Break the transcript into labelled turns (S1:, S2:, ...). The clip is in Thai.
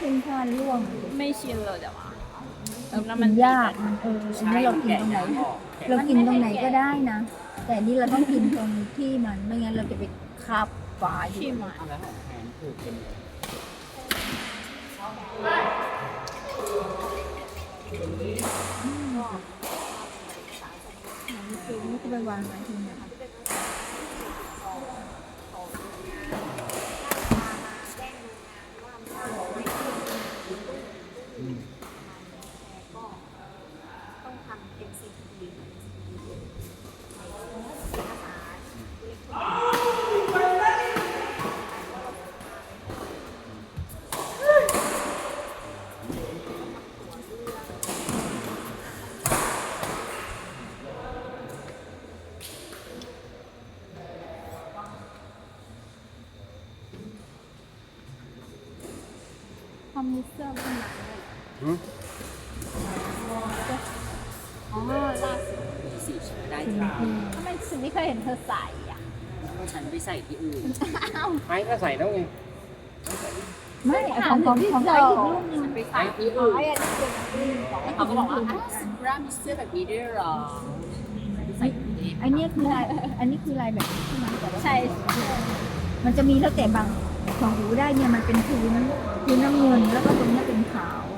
S1: ขึ้นผ้าร่วง
S2: ไม่ชินเลยแต่ว่า
S1: แล้วมันยากมันอันนี้เรากินตรงไหน เรากินตรงไหนก็ได้นะ แต่นี่เราต้องกินตรงที่มันไม่งั้นเราจะไปคาบฝาอยู่
S2: ที่มา
S3: เอาแล้วของแพนถูกเป็น
S1: คือนี่ก็ไปวางไว้ทีนี้
S4: ต้องทำ MCT
S2: ความมีเสื้อเป็นหนังเลยอ๋อล่าสุด
S3: มีสีชุดได้จ้า
S2: ทำไมฉันไม่เคยเห็นเธอใส่อ่ะ
S3: ฉันไปใส่ที่อื่นไม่ก็ใส่แล้วไง
S1: ไม่ของไอ้อีกรูปนึง
S3: ฉันไปใส่ที่อื่น
S2: ไอ้อันนี้เป็นอันนี้ของ
S3: แล้วเขาก็บอกว่าอ้าวซิบรามีเสื้อแบบนี้ด้วยเหรอฉันไปใส่ที่นี่
S1: อันนี้คือลายอันนี้คือลายแบบนี้ใช่ไหมแต่ว่า
S2: ใช่
S1: มันจะมีแล้วแต่บางของหูได้เนี่ยมันเป็นพื้นน้ำเงินแล้วก็ตรงเนี้ยเป็นขาว